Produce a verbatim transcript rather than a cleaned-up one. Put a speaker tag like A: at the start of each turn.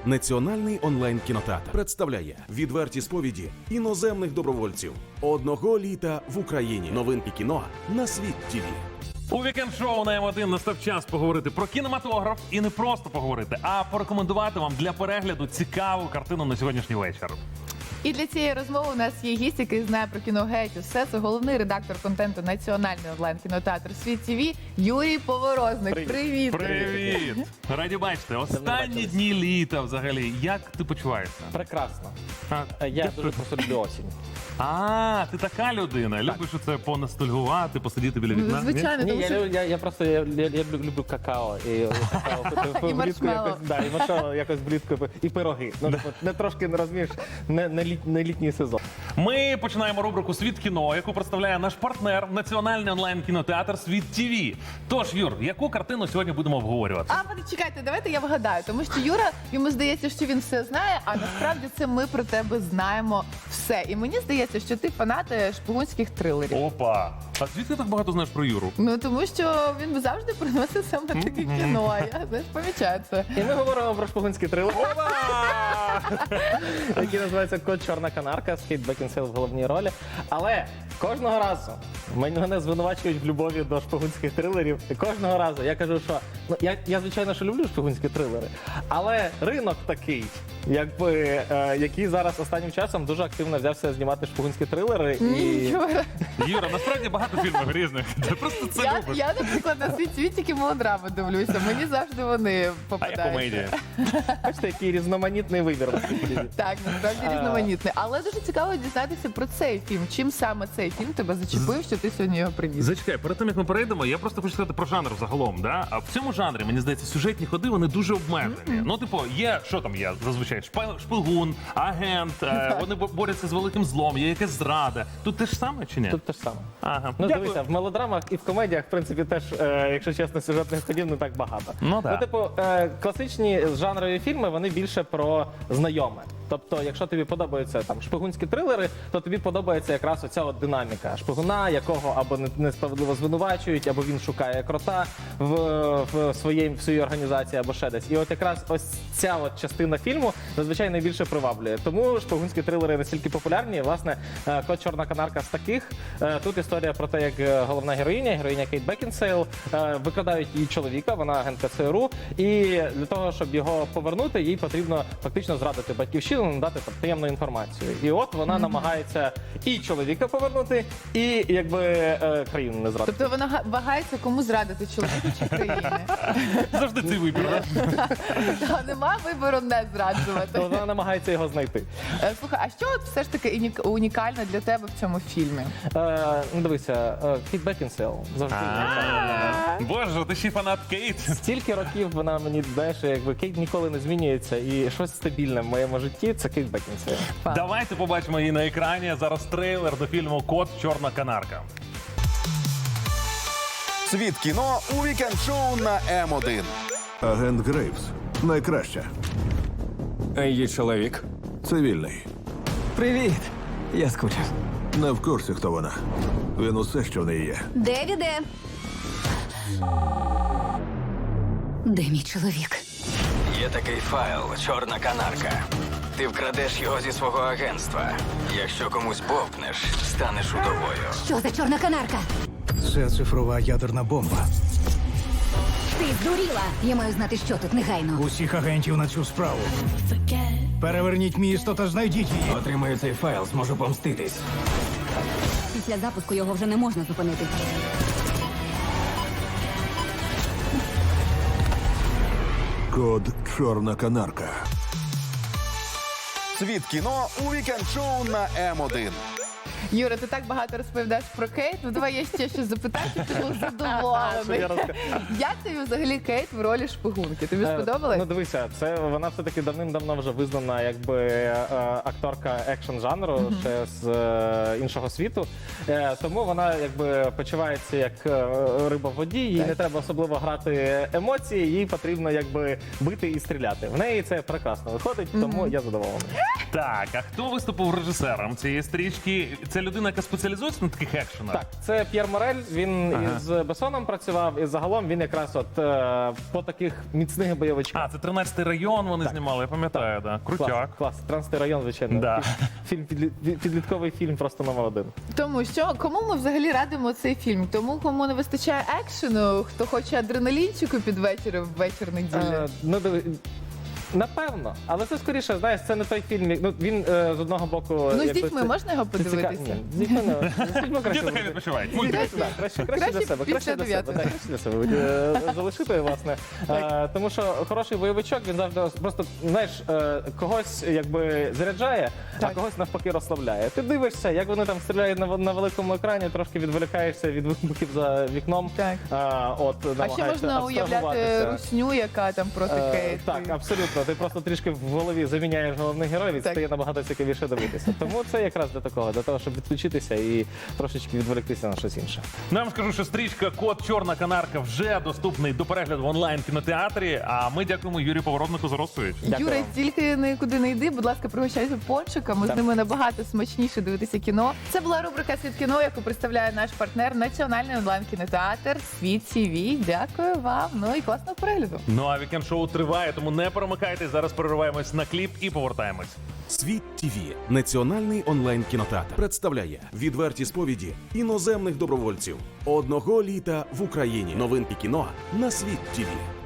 A: Національний онлайн-кінотеатр представляє відверті сповіді іноземних добровольців. Одного літа в Україні. Новинки кіно на Світ ТІВІ.
B: У вікенд-шоу на М один настав час поговорити про кінематограф і не просто поговорити, а порекомендувати вам для перегляду цікаву картину на сьогоднішній вечір.
C: І для цієї розмови у нас є гість, який знає про кіно геть усе. Це головний редактор контенту Національний онлайн-кінотеатр Світ ТІВІ Юрій Поворозник. Привіт!
B: Привіт! Раді бачити. Останні дні літа взагалі. Як ти почуваєшся?
D: Прекрасно.
B: А,
D: Я дуже просто люблю осінь.
B: а, ти така людина. Любиш оце понастальгувати, посидіти біля вікна?
C: Звичайно,
D: Ні,
C: тому
D: я,
C: що...
D: лю- я, я просто я, я, я люблю, люблю какао і какао
C: І
D: влітку
C: маршмеллоу.
D: якось, да, і маршмеллоу якось влітку і пироги. Ну, типу, не трошки не розумієш, не, не, літ, не літній сезон.
B: Ми починаємо рубрику «Світ кіно», яку представляє наш партнер Національний онлайн-кінотеатр Світ ТІВІ. Тож, Юр, яку картину сьогодні будемо обговорювати?
C: А, почекайте, давайте я вгадаю, тому що Юра, йому здається, що він все знає, а насправді це ми про тебе знаємо все. І мені здається, що ти фанат шпигунських трилерів.
B: Опа! А звідки так багато знаєш про Юру?
C: Ну, тому що він завжди приносить саме таке кіно, а я, знаєш, помічаю це.
D: І ми говоримо про шпигунський трилер, який називається «Код Чорна канарка» з Кейт Бекінсейл в головній ролі. Але кожного разу мене звинувачують в любові до шпигунських трилерів. І кожного разу я кажу, що ну я, я звичайно, що люблю шпигунські трилери, але ринок такий, якби е, який зараз останнім часом дуже активно взявся знімати шпигунські трилери.
C: Ні,
D: І
C: Юра.
B: Юра, насправді багато фільмів різних. Ти просто це
C: Я,
B: любиш.
C: я, наприклад, на свій світ тільки мелодрами дивлюся. Мені завжди вони
B: А я
C: попадаються.
B: комедія.
D: бачите, який різноманітний вибір.
C: Так, насправді
D: А.
C: різноманітний. Але дуже цікаво дізнатися про цей фільм. Чим саме цей фільм тебе зачепив, що ти сьогодні його приніс?
B: Зачекай, перед тим як ми перейдемо, я просто хочу сказати про жанр загалом. Да? А в цьому жанрі, мені здається, сюжетні ходи вони дуже обмежені. Ну, типу, є, що там є зазвичай? Шпи- Шпигун, агент, е, вони бо- борються з великим злом, є якась зрада. Тут те ж саме чи ні?
D: Тут те ж саме.
B: Ага.
D: Ну,
B: Дякую.
D: дивися, в мелодрамах і в комедіях, в принципі, теж, е, якщо чесно, сюжетних ходів не так багато.
B: Ну, да.
D: типу, е, класичні жанрові фільми, вони більше про знайоме. Тобто, якщо тобі подобаються там шпигунські трилери, то тобі подобається якраз оця от динаміка шпигуна, якого або не- несправедливо звинувачують, або він шукає крота в, в, своїй, в своїй організації, або ще десь. І от якраз ось ця от частина фільму зазвичай найбільше приваблює. Тому шпигунські трилери настільки популярні. І, власне, е, «Код Чорна канарка» з таких. Е, Тут історія про те, як е, головна героїня, героїня Кейт Бекінсейл, е, викрадають її чоловіка, вона агентка ЦРУ, і для того, щоб його повернути, їй потрібно фактично зрадити батьківщину, надати там таємну інформацію. І от вона намагається і чоловіка повернути, і якби е, країну не зрадити.
C: Тобто вона га- вагається, кому зрадити, чоловіку чи країни.
B: Завжди цей вибір. да?
C: Та нема вибору не зраджувати.
D: То вона намагається його знайти.
C: Е, Слухай, а що от все ж таки уні- унікальне для тебе в цьому фільмі?
D: Е, ну дивися, е, Кейт Бекінсейл завжди.
B: Боже, ти ще й фанат Кейт.
D: Стільки років вона мені, знаєш, якби Кейт ніколи не змінюється, і щось стабільне в моєму житті це Кейт Бекінсейл.
B: Давайте побачимо її на екрані. Зараз трейлер до фільму «Код Чорна канарка».
A: Світ кіно у вікенд-шоу на М один.
E: Агент Грейвс. Найкраща.
F: Її чоловік.
E: Цивільний.
F: Привіт! Я скучив.
E: Не в курсі, хто вона. Він усе, що в неї є.
G: Девіде. Де мій чоловік?
F: Є такий файл «Чорна канарка». Ти вкрадеш його зі свого агентства. Якщо комусь бовкнеш, станеш удовою.
G: Що за чорна канарка?
H: Це цифрова ядерна бомба.
G: Ти здуріла! Я маю знати, що тут негайно.
H: Усіх агентів на цю справу. Переверніть місто та знайдіть її.
F: Отримаю цей файл, зможу помститись.
G: Після запуску його вже не можна зупинити.
E: Код Чорна канарка.
A: Світ кіно у вікенд-шоу на М один.
C: Юра, ти так багато розповідаєш про Кейт. Ну давай я ще щось запитаю, щоб ти був
D: Що
C: задоволений.
D: я розкажу?
C: Як тобі взагалі Кейт в ролі шпигунки? Тобі
D: Е,
C: сподобалось?
D: Ну дивися, це вона все-таки давним-давно вже визнана якби е, акторка екшн жанру ще з е, іншого світу. Е, тому вона якби почувається як е, риба в воді, їй не треба особливо грати емоції, їй потрібно якби бити і стріляти. В неї це прекрасно виходить, тому я задоволений.
B: Так, а хто виступив режисером цієї стрічки? Це людина, яка спеціалізується на таких екшенах?
D: Так, це П'єр Морель. Він
B: Ага.
D: із Бессоном працював, і загалом він якраз от е, по таких міцних бойовичках.
B: А, це тринадцятий район вони знімали, я пам'ятаю, да. Крутяк.
D: Клас, клас. тринадцятий район, звичайно.
B: Да.
D: Фільм підлі- підлітковий фільм просто номер один.
C: Тому що кому ми взагалі радимо цей фільм? Тому кому не вистачає екшену, хто хоче адреналінчику під вечір в вечір неділі.
D: Е, ну, диви- Напевно, але це скоріше, знаєш, це не той фільм. як- Ну він е, з одного боку.
C: Ну, з
D: якби
C: дітьми
D: це-
C: можна його
D: це ціка-
C: подивитися?
D: Ні, з дітьми не з дітьми краще.
B: Діти хай
D: буде.
B: відпочивають.
C: Ні,
B: Мультик.
C: краще-
D: Так, краще, краще,
C: краще
D: для себе, краще
C: після
D: для себе,
C: дев'ятої.
D: так, краще для себе е, залишити, власне. Е, тому що хороший бойовичок, він завжди просто, знаєш, е, когось якби заряджає,
C: Так.
D: а когось навпаки розслабляє. Ти дивишся, як вони там стріляють на, на великому екрані, трошки відволікаєшся від вибухів за вікном.
C: Так.
D: А, от,
C: А ще
D: намагаєшся
C: можна уявляти
D: абстрагуватися.
C: русню, яка там проти
D: Е,
C: Кейт.
D: Так, абсолютно. Ти просто трішки в голові заміняєш головних героїв і
C: Так.
D: стає набагато цікавіше дивитися. Тому це якраз для такого, для того, щоб відключитися і трошечки відволіктися на щось інше.
B: Нам скажу, що стрічка Кот Чорна канарка вже доступний до перегляду в онлайн кінотеатрі. А ми дякуємо Юрію Поворотнику за розповідь.
D: Дякую
C: Юра,
D: вам.
C: тільки нікуди не йди, будь ласка, пригощайся пончиками. З
D: Так.
C: ними набагато смачніше дивитися кіно. Це була рубрика «Світ кіно», яку представляє наш партнер Національний онлайн-кінотеатр «Світ ті ві». Дякую вам. Ну і класного перегляду.
B: Ну а вікенд шоу триває, тому не перемикайтесь. Зараз перериваємось на кліп і повертаємось.
A: Світ ТІВІ – національний онлайн кінотеатр представляє відверті сповіді іноземних добровольців. Одного літа в Україні. Новинки кіно на Світ ТІВІ.